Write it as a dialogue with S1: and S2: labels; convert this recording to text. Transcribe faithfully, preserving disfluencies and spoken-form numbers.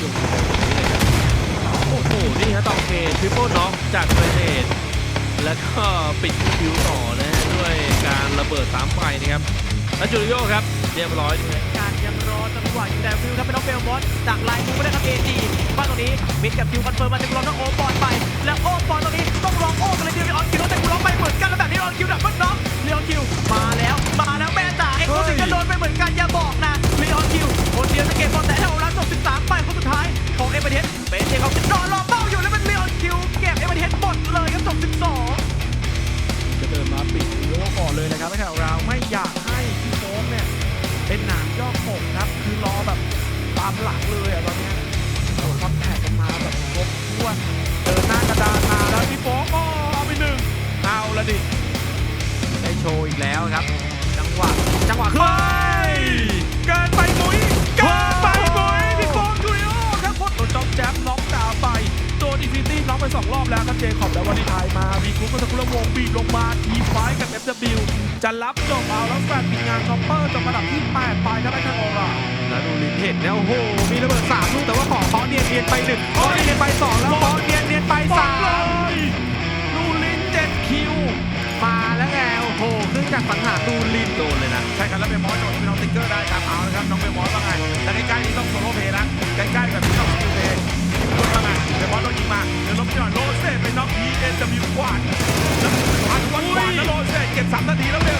S1: ยงในแบบนี้เลยครับโอ้โหนี่ฮะตองเคทริปเปิลน็อกจากเกรเนตแล้วก็ปิดคิวต่อนะฮะด้วยการระเบิดสามไฟนะครับแล้วจูริโอครับเรียบร้อย
S2: การยังรอจังหวะอยู่แต่ฟิวครับเป็นน้องเบลมอสจากไลน์มูไม่ได้ครับเอจีบ้านตรงนี้มิดกับคิวคอนเฟิร์มมาถึงรองน้องโอปอนไปแล้วโอปอนตรงนี้ต้องรองโอกันเลยเดียวออนคิวแต่กูร้องไปเหมือนกันแล้วแบบนี้ออนคิวดับเบิลน็อกเลออนคิวมาแล้วมาแล้วแม่จ๋าเอ็กโคสิก็โดนไปเหมือนกันอย่าบอกนะเลออนคิวคนเดียวจะเก็บบอลแต่เท่ารันจบสิบสามไปคนสุดท้ายของเอเบเดสเป็นเจเขานอนรอเป้าอยู่แล้วเป็นเลออนคิวเก็บเอเบเดสหมดเลยครับจบสิบสองจะเดินมาปิดโลก่อนเลยนะครับไม่ใช่เราไม่อยากให้พี่โฟมเนี่ยเป็นหนามยอกปกครับคือรอแบบตามหลังเลยอะตอนนี้โดนคอนแทคกันมาแบบครบถ้วนเดินหน้ากระดานมาแล้วพี่โฟมก็เอาไปหนึ่งเอาละดิได้โชว์อีกแล้วครับจังหวะจังหวะขึ้นเกินไปมุ้ยเกินไปมุ้ยพี่โฟมจูริโอครับพดโดนจ็อบแจ๊บน็อกดาวไปโดนอินฟินิตี้น็อกไปสองรอบแล้วครับเจคอบแล้ววันนี้ทายมาวีคุกก็ตะกุละวงบีบลงมาทีไฟกับ เอฟ ดับเบิลยู จะรับจบเอาแล้วแฟนปิดงานช็อปเปอร์จบระดับที่แปดไปครับไอ้ทางออร่าแล้วดูลินเห็นนะโอ้โหมีระเบิดสามลูกแต่ว่าขอขอเนียนเนียนไปหนึ่งขอเนียนเนียนไปสองแล้วขอเนียนเนียนไปสามดูลินเจ็ดคิวมาแล้วไงโอ้โหขึ้นจากสังหารดูลินโดนเลยนะใช่ครับแล้วเบมอสโดนเป็นน้องติ๊กเกอร์ได้ครับเอาละครับน้องเบมอสว่าไงแต่ใกล้ๆนี้ต้องโซโล่เพย์นะใกล้ๆแบบนี้ต้องสกิลเพย์ว่าไงเบมอสโดนยิงมาเดี๋ยวลบหน่อยโลเซ่ไปน็อกพีเอ็นจะมีขวานแล้วขวานขวานแล้วโลเซ่เก็บสามนาทีแล้วเบ